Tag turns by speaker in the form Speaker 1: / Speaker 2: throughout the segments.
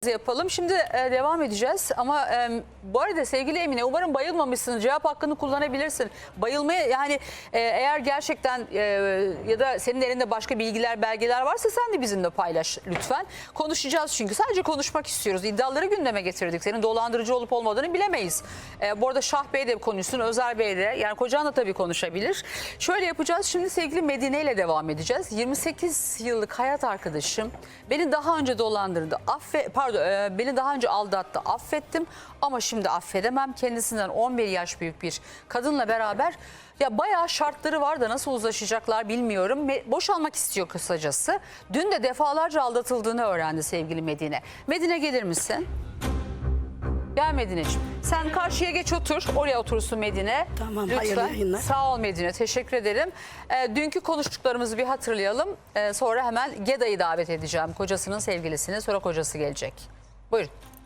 Speaker 1: Yapalım. Şimdi devam edeceğiz ama bu arada sevgili Emine, umarım bayılmamışsın. Cevap hakkını kullanabilirsin. Bayılmaya yani eğer gerçekten ya da senin elinde başka bilgiler, belgeler varsa sen de bizimle paylaş lütfen. Konuşacağız çünkü sadece konuşmak istiyoruz. İddiaları gündeme getirdik. Senin dolandırıcı olup olmadığını bilemeyiz. Bu arada Şah Bey de konuşsun, Özer Bey de, yani kocan da tabii konuşabilir. Şöyle yapacağız. Şimdi sevgili Medine ile devam edeceğiz. 28 yıllık hayat arkadaşım beni daha önce dolandırdı. Beni daha önce aldattı, affettim ama şimdi affedemem. Kendisinden 11 yaş büyük bir kadınla beraber ya bayağı şartları var da nasıl uzlaşacaklar bilmiyorum. Boşanmak istiyor kısacası. Dün de defalarca aldatıldığını öğrendi sevgili Medine. Medine gelir misin? Gel Medine'ciğim. Sen karşıya geç otur. Oraya oturursun Medine.
Speaker 2: Tamam,
Speaker 1: lütfen.
Speaker 2: hayırlı yayınlar.
Speaker 1: Sağ ol Medine. Teşekkür ederim. Dünkü konuştuklarımızı bir hatırlayalım. Sonra hemen Geda'yı davet edeceğim. Kocasının sevgilisini. Sonra kocası gelecek. Buyurun.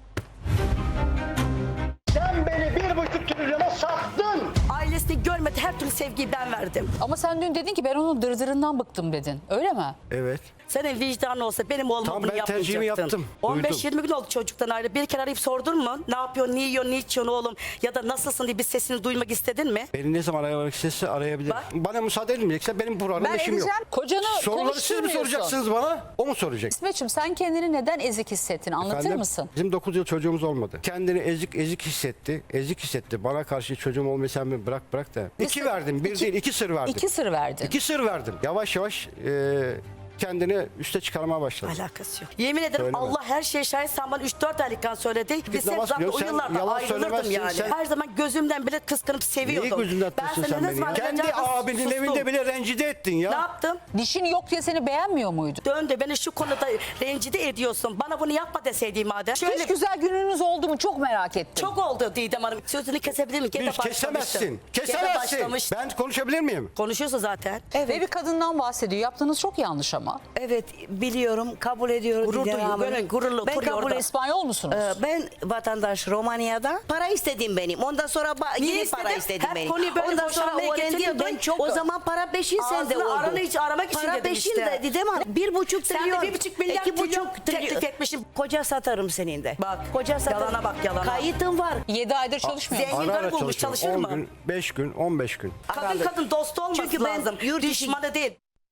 Speaker 3: Sen beni 1,5 trilyona sattın.
Speaker 2: Ailesini görmedi, her türlü sevgiyi ben verdim.
Speaker 1: Ama sen dün dedin ki ben onun dırdırından bıktım dedin. Öyle mi?
Speaker 4: Evet.
Speaker 2: Senin vicdanın olsa benim oğlum
Speaker 4: Tamam,
Speaker 2: bunu
Speaker 4: ben
Speaker 2: yapmayacaktın.
Speaker 4: tercihimi yaptım.
Speaker 2: 15-20 gün oldu çocuktan ayrı. Bir kere arayıp sordun mu? Ne yapıyorsun, ne yiyorsun, ne içiyorsun oğlum? Ya da nasılsın diye bir sesini duymak istedin mi?
Speaker 4: Beni ne zaman aramak istese arayabilir.
Speaker 2: Bak.
Speaker 4: Bana müsaade edilmeyecekse benim programda
Speaker 1: Ben
Speaker 4: işim yok.
Speaker 1: edeceğim. Kocanı
Speaker 4: Soruları siz mi
Speaker 1: konuşturmuyorsun.
Speaker 4: soracaksınız bana? O mu soracak?
Speaker 1: İsmet'ciğim sen kendini neden ezik hissettin? Anlatır
Speaker 4: Efendim,
Speaker 1: mısın?
Speaker 4: Bizim 9 yıl çocuğumuz olmadı. Kendini ezik hissetti. Ezik hissetti. Bana karşı çocuğum olmayı sen mi bırak da. İki verdim. Bir değil, iki sır verdim.
Speaker 1: İki sır verdin.
Speaker 4: İki sır verdim. Yavaş yavaş kendini üste çıkarmaya başladı.
Speaker 2: Alakası yok. Yemin ederim
Speaker 4: Söyleme.
Speaker 2: Allah her şeye şahit, sen bana 3-4 aylıkken söyledi. Biz hep
Speaker 4: namaz
Speaker 2: zaten o
Speaker 4: kılıyorsun, sen
Speaker 2: yıllarda
Speaker 4: yalan
Speaker 2: ayrılırdım
Speaker 4: söylemezsin,
Speaker 2: yani.
Speaker 4: sen-
Speaker 2: Her zaman gözümden bile kıskanıp seviyordum.
Speaker 4: Neyi gözünden
Speaker 2: Ben
Speaker 4: tutuyorsun
Speaker 2: seni
Speaker 4: sen
Speaker 2: ne
Speaker 4: beni
Speaker 2: zaman
Speaker 4: ya? Kendi
Speaker 2: arayacağımı
Speaker 4: abinin
Speaker 2: sustum.
Speaker 4: evinde bile rencide ettin ya.
Speaker 2: Ne yaptım?
Speaker 1: Dişin yok diye seni beğenmiyor muydu?
Speaker 2: Döndü beni şu konuda rencide ediyorsun. Bana bunu yapma deseydin madem. Şöyle
Speaker 1: Hiç güzel gününüz oldu mu? Çok merak ettim.
Speaker 2: çok oldu Didem Hanım. Sözünü kesebilir miyim? Gene
Speaker 4: Hiç kesemezsin.
Speaker 2: Gene
Speaker 4: Kesemezsin.
Speaker 2: başlamıştın.
Speaker 4: Ben konuşabilir miyim?
Speaker 2: Konuşuyorsun zaten.
Speaker 1: Ve bir kadından bahsediyor. Yaptığınız çok yanlış ama.
Speaker 5: Evet biliyorum, kabul ediyorum.
Speaker 2: Gurur
Speaker 5: Didem
Speaker 2: duyuyor,
Speaker 5: Hanım.
Speaker 2: böyle gururla
Speaker 5: Ben
Speaker 2: oturuyor
Speaker 5: kabul
Speaker 2: orada.
Speaker 1: İspanyol musunuz?
Speaker 5: Ben vatandaş Romanya'da para istedim benim. Ondan sonra
Speaker 2: Niye
Speaker 5: yine para
Speaker 2: istedin?
Speaker 5: istedim
Speaker 2: Hep
Speaker 5: benim.
Speaker 2: konuyu böyle
Speaker 5: Ondan sonra
Speaker 2: boşanmaya
Speaker 5: öğrendim
Speaker 2: getiriyordun.
Speaker 5: ben çok. O zaman para peşin sende
Speaker 2: Ağzını
Speaker 5: oldu.
Speaker 2: aranı hiç aramak için
Speaker 5: para
Speaker 2: dedim
Speaker 5: peşin
Speaker 2: işte.
Speaker 5: de Didem Hanım. 1,5
Speaker 2: Sen de
Speaker 5: trilyon.
Speaker 2: 1,5 milyar
Speaker 5: 2,5
Speaker 2: teklif etmişsin.
Speaker 5: Koca satarım senin de.
Speaker 2: Bak,
Speaker 5: Koca satarım.
Speaker 2: yalana bak, yalana.
Speaker 5: Kayıtım var.
Speaker 1: 7 aydır çalışmıyor musun?
Speaker 2: Zengin
Speaker 4: Ara
Speaker 2: karı
Speaker 4: ara
Speaker 2: bulmuş,
Speaker 4: çalışıyorum.
Speaker 2: çalışır
Speaker 4: 10
Speaker 2: mı?
Speaker 4: gün, 5 gün, 15 gün.
Speaker 2: Kadın dost olması
Speaker 5: Çünkü ben
Speaker 2: lazım.
Speaker 5: yurt dışı-
Speaker 2: Düşmanı değil.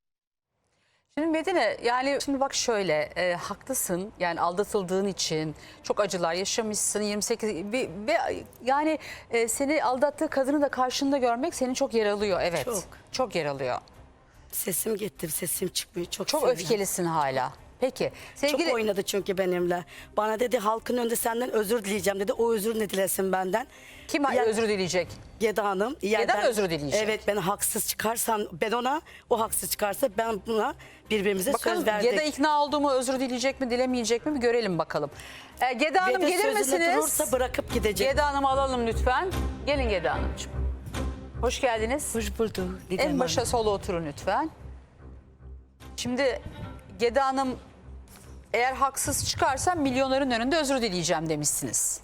Speaker 1: Şimdi Medine, yani şimdi bak şöyle haklısın, yani aldatıldığın için çok acılar yaşamışsın 28 ve yani seni aldattığı kadını da karşında görmek seni çok yaralıyor, evet. Çok yaralıyor.
Speaker 2: Sesim gitti, sesim çıkmıyor. Çok
Speaker 1: Çok
Speaker 2: sinirlendim.
Speaker 1: öfkelisin hala. Peki sevgili
Speaker 2: Çok oynadı çünkü benimle. Bana dedi halkın önünde senden özür dileyeceğim dedi. O özür ne dilesin benden?
Speaker 1: kim
Speaker 2: Ya-
Speaker 1: özür dileyecek?
Speaker 2: Geda Hanım.
Speaker 1: Geda mı özür dileyecek?
Speaker 2: Evet, ben haksız çıkarsam ben ona, o haksız çıkarsa ben buna birbirimize
Speaker 1: Bakalım
Speaker 2: söz verdik.
Speaker 1: Geda ikna oldu mu, özür dileyecek mi dilemeyecek mi bir görelim bakalım. Geda Hanım
Speaker 2: Ve de
Speaker 1: gelir
Speaker 2: sözünde
Speaker 1: misiniz?
Speaker 2: durursa bırakıp gidecek.
Speaker 1: Geda Hanım'ı alalım lütfen. Gelin Geda Hanımcığım. Hoş geldiniz.
Speaker 5: Hoş bulduk Didem
Speaker 1: En başa
Speaker 5: Hanım.
Speaker 1: sola oturun lütfen. Şimdi Geda Hanım, eğer haksız çıkarsam milyonların önünde özür dileyeceğim demişsiniz.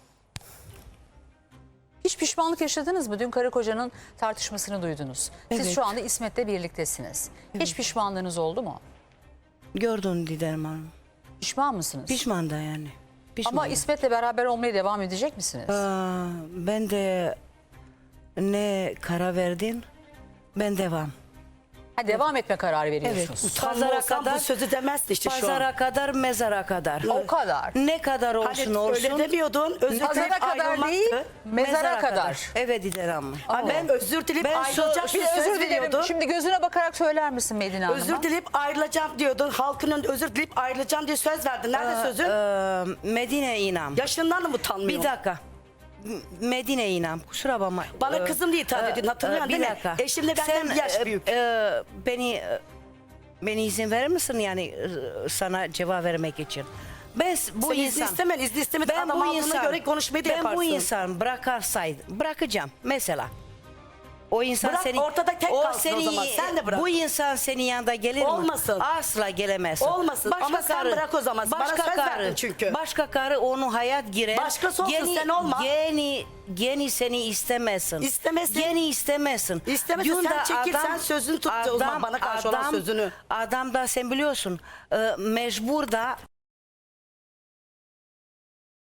Speaker 1: Hiç pişmanlık yaşadınız mı? Dün karı kocanın tartışmasını duydunuz. Siz
Speaker 5: Evet.
Speaker 1: şu anda İsmet'le birliktesiniz. Hiç pişmanlığınız oldu mu?
Speaker 5: Gördün Didem Hanım.
Speaker 1: Pişman mısınız?
Speaker 5: Pişman da yani. Pişman.
Speaker 1: Ama İsmet'le beraber olmaya devam edecek misiniz?
Speaker 5: Ben de ne karar verdin? Ben devam.
Speaker 1: Ha, devam etme kararı
Speaker 5: Evet.
Speaker 1: veriyorsunuz.
Speaker 2: Utanma
Speaker 5: Pazara
Speaker 2: olsam
Speaker 5: kadar
Speaker 2: bu sözü demezdi işte şu an.
Speaker 5: Pazara kadar, mezara kadar.
Speaker 1: O kadar.
Speaker 5: Ne kadar olsun
Speaker 2: Hani
Speaker 5: olsun.
Speaker 2: öyle demiyordun. Özür
Speaker 1: Pazara
Speaker 2: dileyip
Speaker 1: kadar
Speaker 2: ayrılmaktı.
Speaker 1: değil, mezara kadar.
Speaker 5: Evet Didem Hanım.
Speaker 2: Ha, ben özür dileyip
Speaker 5: Ben
Speaker 2: ayrılacak
Speaker 5: so-
Speaker 2: bir
Speaker 1: Bir
Speaker 2: söz
Speaker 1: özür dilerim.
Speaker 2: veriyordun.
Speaker 1: Şimdi gözüne bakarak söyler misin Medine Hanım'a?
Speaker 2: Özür dileyip ayrılacağım diyordun. Halkın önünde özür dileyip ayrılacağım diye söz verdin. Nerede sözün?
Speaker 5: Medine İnan.
Speaker 2: Yaşından mı utanmıyorsun?
Speaker 5: Bir dakika. Medine İnan. Kusura bakma.
Speaker 2: Bana kızım diye hitap ediyorsun. Hatırlıyorsun değil
Speaker 5: bir
Speaker 2: mi?
Speaker 5: dakika.
Speaker 2: Eşimle benden bir yaş büyük.
Speaker 5: Beni izin verir misin yani sana cevap vermek için? Ben bu
Speaker 2: Sen izni
Speaker 5: insan
Speaker 2: istemen, izni istemeden adam aldığına göre konuşmayı da
Speaker 5: ben
Speaker 2: yaparsın.
Speaker 5: bu insan bırakacağım mesela. O insan
Speaker 2: Bırak,
Speaker 5: seni
Speaker 2: ortada tek kalsın o zaman. Sen de bırak.
Speaker 5: Bu insan senin yanında gelir mi?
Speaker 2: Olmasın.
Speaker 5: Asla gelemezsin.
Speaker 2: Olmasın. Ama sen bırak o zaman. Bana söz verdin çünkü.
Speaker 5: Başka karı onun hayat girer.
Speaker 2: Başkası olsun, sen olma.
Speaker 5: Geni seni istemesin.
Speaker 2: İstemesin.
Speaker 5: Geni istemesin.
Speaker 2: İstemesin,
Speaker 5: Dün
Speaker 2: sen
Speaker 5: de
Speaker 2: çekil, sen sözünü tut o zaman, bana karşı olan sözünü.
Speaker 5: Adam da sen biliyorsun mecbur da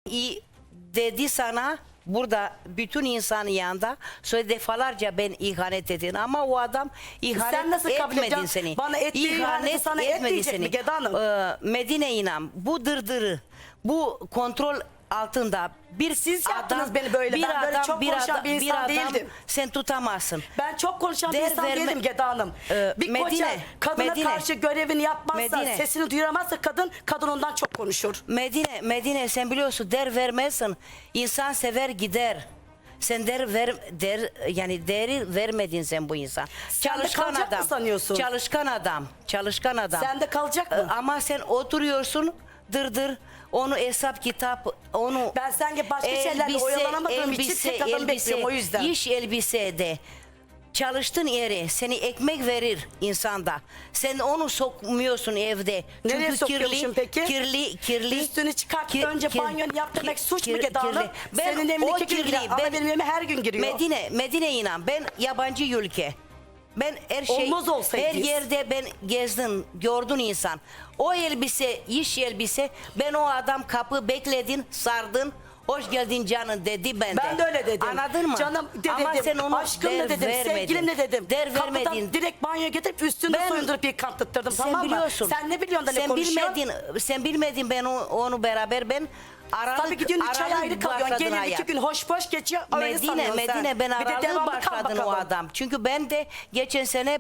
Speaker 5: İyi dedi sana burada bütün insanın yanında söyle defalarca ben ihanet edin ama o adam ihanet
Speaker 2: Sen nasıl kabul
Speaker 5: etmedin
Speaker 2: edeceksin?
Speaker 5: seni.
Speaker 2: Bana ettiği ihaneti sana etmeyecek mi Geda Hanım?
Speaker 5: Medine inan bu dırdırı bu kontrol altında bir
Speaker 2: Siz yaptınız beni böyle. Ben böyle çok konuşan bir insan değildim.
Speaker 5: Sen tutamazsın.
Speaker 2: Ben çok konuşan bir
Speaker 5: Der
Speaker 2: insan
Speaker 5: verme-
Speaker 2: değilim Geda Hanım. Bir koca
Speaker 5: Medine,
Speaker 2: kadına
Speaker 5: Medine.
Speaker 2: karşı görevini yapmazsa,
Speaker 5: Medine.
Speaker 2: sesini duyuramazsa kadın ondan çok konuşur.
Speaker 5: Medine sen biliyorsun der vermezsin. İnsan sever gider. Sen yani değeri vermedin sen bu insan.
Speaker 2: Sen de kalacak mı sanıyorsun?
Speaker 5: Çalışkan adam.
Speaker 2: Sen de kalacak mı?
Speaker 5: Ama sen oturuyorsun dırdır. Onu hesap kitap, onu
Speaker 2: Ben sanki başka şeylerle oyalanamadığım için tek adamı bekliyorum o yüzden.
Speaker 5: İş elbisede çalıştığın yere seni ekmek verir insanda. Sen onu sokmuyorsun evde.
Speaker 2: Nereye
Speaker 5: Çünkü
Speaker 2: sokuyormuşum peki?
Speaker 5: kirli.
Speaker 2: Üstünü çıkart önce banyonu yap demek suç mu Geda Hanım?
Speaker 5: Ben
Speaker 2: Senin
Speaker 5: o
Speaker 2: evine 2 gün
Speaker 5: kirli,
Speaker 2: giriyor ama benim evime her gün giriyor.
Speaker 5: Medine inan ben yabancı ülke. Ben her şey
Speaker 2: Olmaz olsaydı
Speaker 5: her
Speaker 2: biz.
Speaker 5: yerde ben gezdim, gördün insan. O elbise, iş elbise ben o adam kapı bekledin, sardın. Hoş geldin canım dedi ben de.
Speaker 2: Ben de öyle dedim.
Speaker 5: Anladın mı?
Speaker 2: Canım de
Speaker 5: Ama
Speaker 2: dedim,
Speaker 5: sen onu
Speaker 2: aşkım da dedim, sevgilim de dedim.
Speaker 5: Der
Speaker 2: Kapıdan
Speaker 5: vermedin.
Speaker 2: direkt banyoya getirip üstünde
Speaker 5: Ben-
Speaker 2: soyundurup bir kantıttırdım
Speaker 5: Sen
Speaker 2: tamam mı?
Speaker 5: biliyorsun.
Speaker 2: Sen ne biliyorsun da ne
Speaker 5: sen
Speaker 2: konuşuyorsun?
Speaker 5: bilmedin ben onu beraber ben aralık
Speaker 2: Tabii gidiyorsun 3 ay ayrı kalıyorsun.
Speaker 5: başladın
Speaker 2: Gelin 2
Speaker 5: hayat.
Speaker 2: gün hoş geçiyor. Öyle sanıyorsun sen.
Speaker 5: Medine ben
Speaker 2: Bir de
Speaker 5: aralık
Speaker 2: devamlı kal
Speaker 5: başladın o
Speaker 2: bakalım.
Speaker 5: adam. Çünkü ben de geçen sene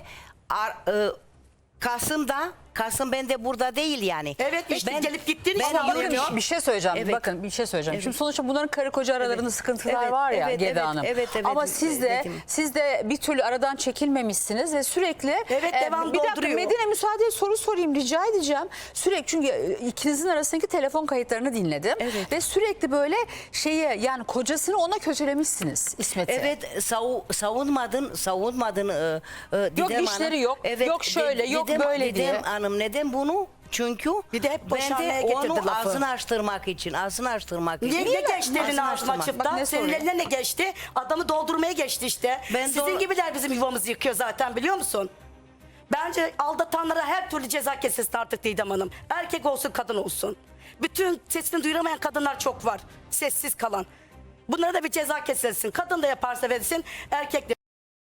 Speaker 5: Kasım ben de burada değil yani.
Speaker 2: Evet, işte gelip gittiğin için
Speaker 5: ben
Speaker 2: anlamıyorum.
Speaker 5: yirmi-
Speaker 1: Bir şey söyleyeceğim.
Speaker 5: Evet.
Speaker 1: Bakın bir şey söyleyeceğim.
Speaker 5: Evet.
Speaker 1: Şimdi sonuçta bunların karı koca aralarında
Speaker 5: Evet.
Speaker 1: sıkıntılar
Speaker 5: Evet,
Speaker 1: var ya
Speaker 5: evet,
Speaker 1: Geda
Speaker 5: evet,
Speaker 1: Hanım.
Speaker 5: evet,
Speaker 1: Ama siz de
Speaker 5: dedim.
Speaker 1: bir türlü aradan çekilmemişsiniz ve sürekli
Speaker 2: Evet, devam
Speaker 1: bir dakika
Speaker 2: dolduruyor.
Speaker 1: Medine müsaade soru sorayım rica edeceğim. Sürekli çünkü ikinizin arasındaki telefon kayıtlarını dinledim
Speaker 5: Evet.
Speaker 1: ve sürekli böyle yani kocasını ona kötülemişsiniz İsmet'i.
Speaker 5: Evet savunmadın Didem
Speaker 1: işleri
Speaker 5: Hanım.
Speaker 1: yok, yok şöyle, yok böyle
Speaker 5: Didem
Speaker 1: diye.
Speaker 5: Hanım neden bunu? Çünkü
Speaker 2: Bir de hep
Speaker 5: ben
Speaker 2: boşanmaya
Speaker 5: de
Speaker 2: getirdi
Speaker 5: onu
Speaker 2: lafı.
Speaker 5: ağzını açtırmak için.
Speaker 2: Niye ne geçti elin
Speaker 5: Ağzını
Speaker 2: ağzıma
Speaker 5: açtırmak.
Speaker 2: açıp
Speaker 1: Bak ne
Speaker 2: da? Senin
Speaker 1: soruyor?
Speaker 2: eline ne geçti? Adamı doldurmaya geçti işte.
Speaker 5: Ben
Speaker 2: Sizin
Speaker 5: doğru-
Speaker 2: gibiler bizim yuvamızı yıkıyor zaten biliyor musun? Bence aldatanlara her türlü ceza kesilsin artık Didem Hanım. Erkek olsun kadın olsun. Bütün sesini duyuramayan kadınlar çok var. Sessiz kalan. Bunlara da bir ceza kesilsin. Kadın da yaparsa verilsin. Erkek de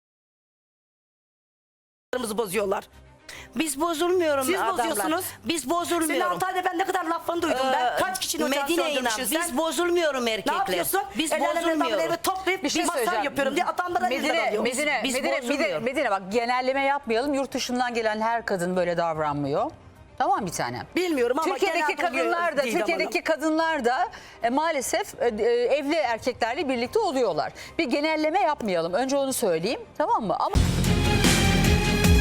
Speaker 2: bozuyorlar.
Speaker 5: Biz bozulmuyorum
Speaker 2: Siz
Speaker 5: adamlar.
Speaker 2: bozuyorsunuz.
Speaker 5: Biz
Speaker 2: Senin
Speaker 5: bozulmuyorum.
Speaker 2: 6 ayda ben ne kadar lafını duydum ben. Kaç kişinin ocağını
Speaker 5: Medine inan
Speaker 2: söndürmüşsün sen?
Speaker 5: biz bozulmuyorum erkekler.
Speaker 2: Ne yapıyorsun?
Speaker 5: Biz
Speaker 2: El alem adamları
Speaker 5: bozulmuyoruz.
Speaker 2: eve toplayıp
Speaker 1: Bir şey
Speaker 2: masal
Speaker 1: söyleyeceğim.
Speaker 2: yapıyorum diye adamlara elinden alıyor.
Speaker 5: Biz bozulmuyoruz.
Speaker 1: Medine bak genelleme yapmayalım. Yurt dışından gelen her kadın böyle davranmıyor. Tamam bir tanem.
Speaker 2: Bilmiyorum ama
Speaker 1: Türkiye'deki
Speaker 2: genelde oluyor
Speaker 1: kadınlar da
Speaker 2: Didem
Speaker 1: Türkiye'deki kadınlar da maalesef evli erkeklerle birlikte oluyorlar. Bir genelleme yapmayalım. Önce onu söyleyeyim. Tamam mı? Ama